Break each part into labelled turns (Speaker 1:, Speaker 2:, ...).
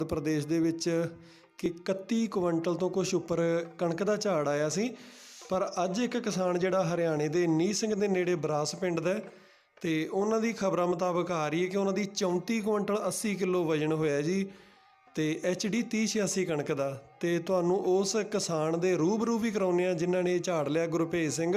Speaker 1: ਪ੍ਰਦੇਸ਼ ਦੇ ਵਿੱਚ ਕਿ 31 ਕੁਇੰਟਲ ਤੋਂ ਕੁਛ ਉੱਪਰ ਕਣਕ ਦਾ ਝਾੜ ਆਇਆ ਸੀ। ਪਰ ਅੱਜ ਇੱਕ ਕਿਸਾਨ ਜਿਹੜਾ ਹਰਿਆਣੇ ਦੇ ਨੀਹ ਸਿੰਘ ਦੇ ਨੇੜੇ ਬਰਾਸ ਪਿੰਡ ਦਾ ਅਤੇ ਉਹਨਾਂ ਦੀ ਖਬਰਾਂ ਮੁਤਾਬਕ ਆ ਰਹੀ ਹੈ ਕਿ ਉਹਨਾਂ ਦੀ 34 ਕੁਇੰਟਲ 80 ਕਿਲੋ ਵਜ਼ਨ ਹੋਇਆ ਜੀ, ਅਤੇ HD 3086 ਕਣਕ ਦਾ। ਅਤੇ ਤੁਹਾਨੂੰ ਉਸ ਕਿਸਾਨ ਦੇ ਰੂਬਰੂ ਵੀ ਕਰਾਉਂਦੇ ਹਾਂ ਜਿਨ੍ਹਾਂ ਨੇ ਇਹ ਝਾੜ ਲਿਆ। ਗੁਰਭੇਜ ਸਿੰਘ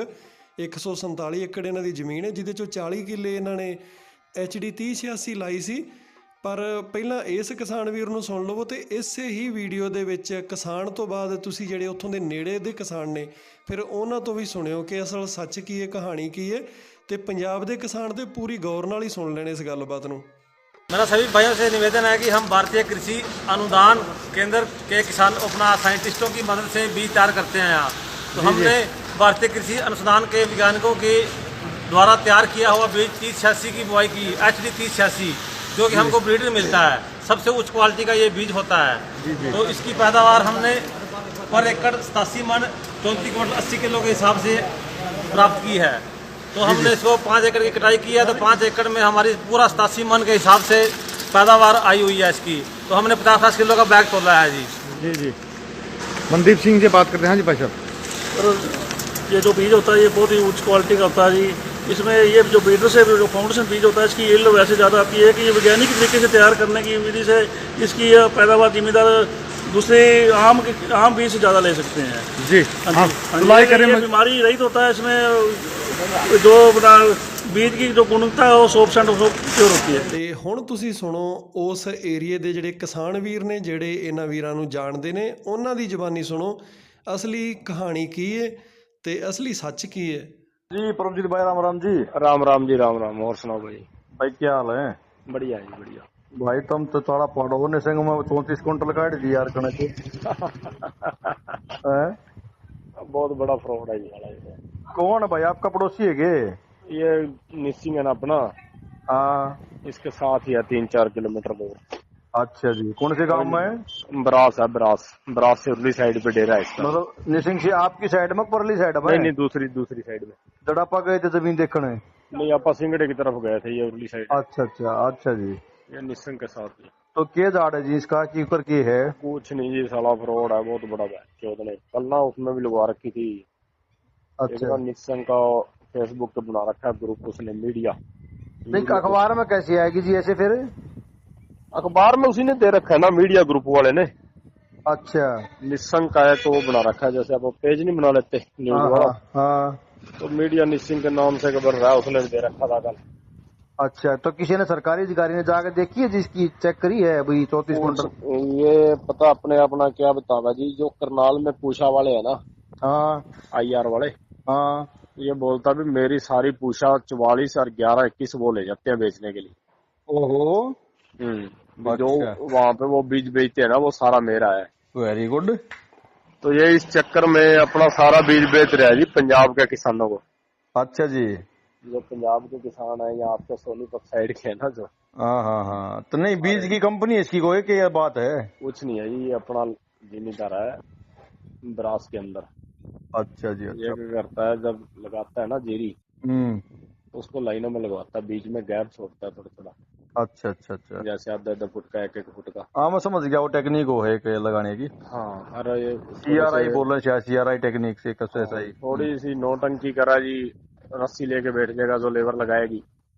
Speaker 1: 147 ਏਕੜ ਇਹਨਾਂ ਦੀ ਜ਼ਮੀਨ ਹੈ, ਜਿਹਦੇ 'ਚੋਂ 40 ਕਿੱਲੇ ਇਹਨਾਂ ਨੇ HD 3086 ਲਾਈ ਸੀ। ਪਰ ਪਹਿਲਾਂ ਇਸ ਕਿਸਾਨ ਵੀਰ ਨੂੰ ਸੁਣ ਲਵੋ ਅਤੇ ਇਸੇ ਹੀ ਵੀਡੀਓ ਦੇ ਵਿੱਚ ਕਿਸਾਨ ਤੋਂ ਬਾਅਦ ਤੁਸੀਂ ਜਿਹੜੇ ਉੱਥੋਂ ਦੇ ਨੇੜੇ ਦੇ ਕਿਸਾਨ ਨੇ ਫਿਰ ਉਹਨਾਂ ਤੋਂ ਵੀ ਸੁਣਿਓ ਕਿ ਅਸਲ ਸੱਚ ਕੀ ਹੈ, ਕਹਾਣੀ ਕੀ ਹੈ, ਅਤੇ ਪੰਜਾਬ ਦੇ किसान तो पूरी गौर नाल ही सुन लेने इस गलबात नूं।
Speaker 2: मेरा सभी भाइयों से निवेदन है कि हम भारतीय कृषि अनुदान केंद्र के किसान अपना साइंटिस्टों की मदद से बीज तैयार करते हैं यहाँ। तो हमने भारतीय कृषि अनुसंधान के वैज्ञानिकों के द्वारा तैयार किया हुआ बीज 3086 की बुआई की HD 3086, जो कि हमको ब्रीडर मिलता है। सबसे उच्च क्वालिटी का ये बीज होता है। तो इसकी पैदावार हमने पर एकड़ 87 मन 34 क्विंटल 80 किलो के हिसाब से प्राप्त की है। तो हमने इसको 5 एकड़ की कटाई की है। तो 5 एकड़ में हमारी पूरा 87 मन के हिसाब से पैदावार आई हुई है इसकी। तो हमने 50-50 किलो का बैग तोला है जी।
Speaker 3: जी जी मनदीप सिंह से बात करते हैं। हाँ जी भाई साहब,
Speaker 4: ये जो बीज होता है ये बहुत ही उच्च क्वालिटी का होता है जी। इसमें ये जो ब्रीडर से जो फाउंडेशन बीज होता है इसकी यील्ड वैसे ज़्यादा आती है कि ये वैज्ञानिक तरीके से तैयार करने की विधि से इसकी पैदावार जिम्मेदार दूसरे आम बीज से ज़्यादा ले सकते हैं
Speaker 3: जी। हाँ,
Speaker 4: अप्लाई करें। बीमारी रहित होता है इसमें, जो बीज की जो गुणवत्ता है वो 100% प्योर होती है।
Speaker 1: ਤੇ ਹੁਣ ਤੁਸੀਂ ਸੁਣੋ ਉਸ ਏਰੀਏ ਦੇ ਜਿਹੜੇ ਕਿਸਾਨ ਵੀਰ ਨੇ ਜਿਹੜੇ ਇਹਨਾਂ ਵੀਰਾਂ ਨੂੰ ਜਾਣਦੇ ਨੇ, ਉਹਨਾਂ ਦੀ ਜ਼ੁਬਾਨੀ ਸੁਣੋ ਅਸਲੀ ਕਹਾਣੀ ਕੀ ਹੈ ਤੇ ਅਸਲੀ ਸੱਚ ਕੀ है।
Speaker 5: जी परमजीत भाई, राम राम जी।
Speaker 2: राम राम जी, राम राम। और सुनाओ भाई।
Speaker 5: भाई क्या हाल है?
Speaker 2: बढ़िया है जी, बढ़िया।
Speaker 5: भाई तुम तो थोड़ा पढ़ो ने संग में 34 कुंटल काट दी यार कणक हैं?
Speaker 2: बहुत बड़ा फ्रॉड है जी।
Speaker 5: कौन है भाई? आपका पड़ोसी है के?
Speaker 2: ये निसिंग है ना अपना,
Speaker 5: हाँ
Speaker 2: इसके साथ ही है 3-4 किलोमीटर दूर।
Speaker 5: अच्छा जी। कौन से गांव में है?
Speaker 2: ब्रास है, ब्रास से उर्ली साइड पे डेरा है इसका।
Speaker 5: मतलब निसिंग से आपकी साइड में परली साइड में?
Speaker 2: नहीं, दूसरी साइड में।
Speaker 5: जब आप गए थे जमीन देखने?
Speaker 2: नहीं, आप सिंगड़े की तरफ गए थे, ये उर्ली साइड।
Speaker 5: अच्छा जी।
Speaker 2: ये निसिंग के साथ ही।
Speaker 5: तो के झाड़ है जी इसका, की ऊपर की है?
Speaker 2: कुछ नहीं जी, साला फ्रॉड है बहुत बड़ा। चौदह ने कल ना उसमें भी लगवा रखी थी।
Speaker 5: अच्छा।
Speaker 2: निसिंग का फेसबुक पे बना रखा है ग्रुप उसने, मीडिया।
Speaker 5: नहीं अखबार में कैसी आएगी जी ऐसे फिर?
Speaker 2: अखबार में उसी ने दे रखा है ना, मीडिया ग्रुप वाले ने।
Speaker 5: अच्छा।
Speaker 2: निसंग का है तो वो बना रखा है, जैसे आप पेज नहीं बना लेते न्यूज वाला।
Speaker 5: हाँ।
Speaker 2: तो मीडिया निसिंग के नाम से खबर रहा है, उसने दे रखा था कल।
Speaker 5: अच्छा, तो किसी ने सरकारी अधिकारी ने जाकर देखी है जिसकी चेक करी है अभी 34 कुंटल?
Speaker 2: ये पता अपना क्या बतावा जी, जो करनाल में पूछा वाले है ना,
Speaker 5: हाँ
Speaker 2: IR वाले,
Speaker 5: हाँ,
Speaker 2: ये बोलता भी मेरी सारी पूछा 44 और 11-21 वो ले जाते हैं बेचने के लिए।
Speaker 5: ओहो।
Speaker 2: जो वहाँ पे वो बीज बेचते हैं ना, वो सारा मेरा है।
Speaker 5: Very good.
Speaker 2: तो ये इस चक्कर में अपना सारा बीज बेच रहा है जी पंजाब के किसानों को।
Speaker 5: अच्छा जी।
Speaker 2: जो पंजाब के किसान है यहाँ आपके सोनीपत साइड के है ना, जो
Speaker 5: हाँ। तो नहीं बीज की कंपनी इसकी कोई की ये बात है?
Speaker 2: कुछ नहीं है जी, ये अपना जिम्मेदार है ब्रास के अंदर।
Speaker 5: अच्छा जी।
Speaker 2: ये
Speaker 5: अच्छा।
Speaker 2: क्या करता है, जब लगाता है ना जीरी, तो उसको लाइनों में लगवाता है, बीच में गैप छोड़ता है थोड़ा।
Speaker 5: अच्छा।
Speaker 2: जैसे आधा फुट का, 1-1 फुट का।
Speaker 5: हाँ मैं समझ गया, वो टेक्निक वो है के लगाने की।
Speaker 2: हाँ, अरे ये
Speaker 5: CRI बोल रहे हैं, CRI टेक्निक से कैसे ऐसा ही
Speaker 2: थोड़ी सी नौटंकी करा जी, रस्सी लेके बैठ जाएगा जो लेबर लगाएगी।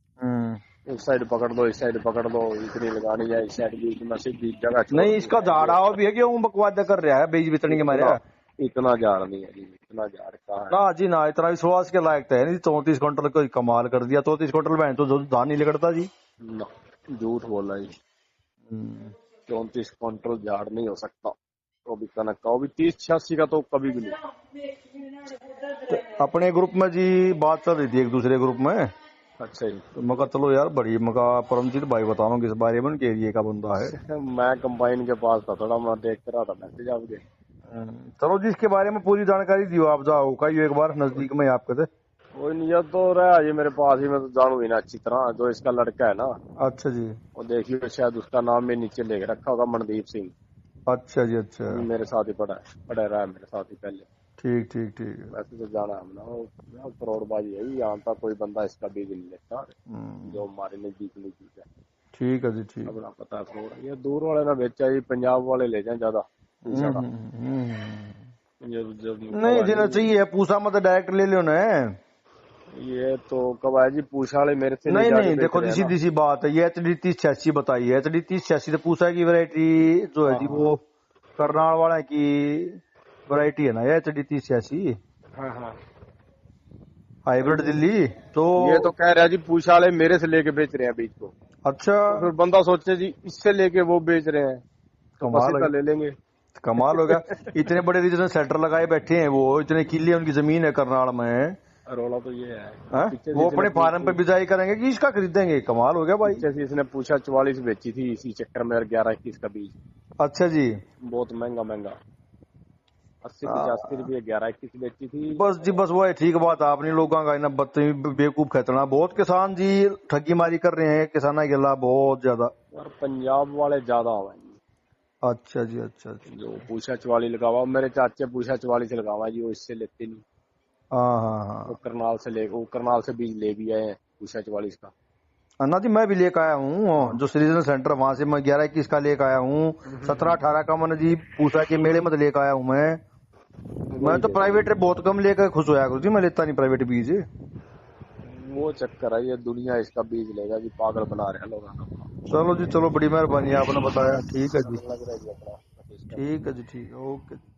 Speaker 2: उस साइड पकड़ दो, इस साइड पकड़ दो, इतनी लगानी है, इस साइड बीच में से बीच जगह
Speaker 5: नहीं इसका झाड़ा भी है कि वो बकवाद कर रहा है बीज बितने के मारे?
Speaker 2: इतना झाड़ नहीं है जी, इतना झाड़ कहाँ है?
Speaker 5: ना जी ना, इतना विश्वास के लायक तो है नहीं। 34 कुंटल को कमाल कर दिया। 34 कुंटल बहन तो धान नहीं लगता जी।
Speaker 2: ना, झूठ बोल रहा जी। 34 क्विंटल झाड़ नहीं हो सकता। तो भी कनक का, वो भी 30-86 का तो कभी भी नहीं।
Speaker 5: अपने ग्रुप में जी बात चल रही थी एक दूसरे ग्रुप में।
Speaker 2: अच्छा जी।
Speaker 5: तो मैं चलो यार बड़ी मका परमजीत भाई बताओ किस बारे में, के एरिए का बंदा है।
Speaker 2: मैं कंबाइन के पास था, थोड़ा मैं देख रहा था मैसेज आपके।
Speaker 5: चलो जी इसके बारे में पूरी जानकारी दियो आप, जाओ का एक बार नजदीक में आपके थे।
Speaker 2: कोई नहीं, ये तो रहा ये मेरे पास ही, मैं तो जानू ही ना अच्छी तरह। जो इसका लड़का है ना,
Speaker 5: अच्छा जी।
Speaker 2: वो देखिए शायद उसका नाम भी नीचे लिख रखा होगा, मनदीप सिंह।
Speaker 5: अच्छा जी। अच्छा,
Speaker 2: मेरे साथ ही पढ़ा रहा है मेरे साथ ही पहले।
Speaker 5: ठीक।
Speaker 2: वैसे तो जाना हमने, करोड़बाजी है यहाँ तक कोई बंदा इसका बीज नहीं लेता, जो हमारे नजदीक नहीं है।
Speaker 3: ठीक है जी ठीक।
Speaker 6: अपना पता करो, ये दूर वाले ना बेचा जी, पंजाब वाले ले जाए ज्यादा।
Speaker 3: नहीं देना चाहिए, पूछा मत डायरेक्ट ले लो ना।
Speaker 6: ये तो कब आया जी, पूछा वाले मेरे से
Speaker 3: नहीं
Speaker 6: जाके
Speaker 3: नहीं
Speaker 6: बेच
Speaker 3: देखो
Speaker 6: रहे
Speaker 3: जी,
Speaker 6: हैं ना।
Speaker 3: सीधी सी बात है, ये HD 3086 बताई है। HD 3086 तो पूछा की वैरायटी जो है जी वो करनाल वाला की वैरायटी है ना, ये HD 3086
Speaker 6: हाँ हाँ,
Speaker 3: हाइब्रिड दिल्ली। तो
Speaker 6: ये तो कह रहा है जी, पूछा वाले मेरे से लेके बेच रहे हैं बीज को।
Speaker 3: अच्छा
Speaker 6: तो फिर बंदा सोचे जी इससे लेके वो बेच रहे हैं, तो
Speaker 3: कमाल
Speaker 6: बस इतना
Speaker 3: है।
Speaker 6: ले लेंगे।
Speaker 3: कमाल होगा। इतने बड़े रीजनल सेंटर लगाए बैठे हैं वो, इतने किले उनकी जमीन है करनाल में।
Speaker 6: रोला तो ये है,
Speaker 3: हैं?
Speaker 6: पीछे से
Speaker 3: वो
Speaker 6: इसने
Speaker 3: अपने फार्म पे बिजाई करेंगे कि इसका खरीदेंगे? कमाल हो गया भाई।
Speaker 6: पीछे से इसने पूछा 44 बेची थी इसी चक्कर में, और 11-21 का बीज
Speaker 3: अच्छा जी,
Speaker 6: बहुत महंगा महंगा, 80-85 रुपये 11-21 बेची थी।
Speaker 3: बस जी बस वो है, ठीक बात है। आपने लोगों का ना बदतमीज बेवकूफ खेतना, बहुत किसान जी ठगी मारी कर रहे हैं किसाना के खिलाफ बहुत ज्यादा।
Speaker 6: और पंजाब वाले ज्यादा हुआ जी,
Speaker 3: अच्छा जी अच्छा अच्छा।
Speaker 6: जो पूछा 44 लगावा, मेरे चाचे पूछा 44 लगावा जी, वो इससे लेते नहीं।
Speaker 3: हाँ हाँ
Speaker 6: वो
Speaker 3: हाँ
Speaker 6: करनाल से बीज ले भी आए हैं पूछा 44 का।
Speaker 3: अन्ना जी मैं भी लेकर आया हूँ, जो सीजनल सेंटर वहां से मैं 11-21 का लेकर आया हूँ। 17-18 का मैंने जी पूछा के मेले में लेकर आया हूँ मैं तो प्राइवेट बहुत कम लेकर खुश होया करूँ जी, मैं लेता नहीं प्राइवेट बीज।
Speaker 6: वो चक्कर है, ये दुनिया इसका बीज लेगा जी, पागल बना रहे हैं लोगों को।
Speaker 3: चलो जी चलो, बड़ी मेहरबानी आपने बताया। ठीक है जी,
Speaker 6: लग रहा है जी अपना।
Speaker 3: ठीक है जी ठीक है, ओके।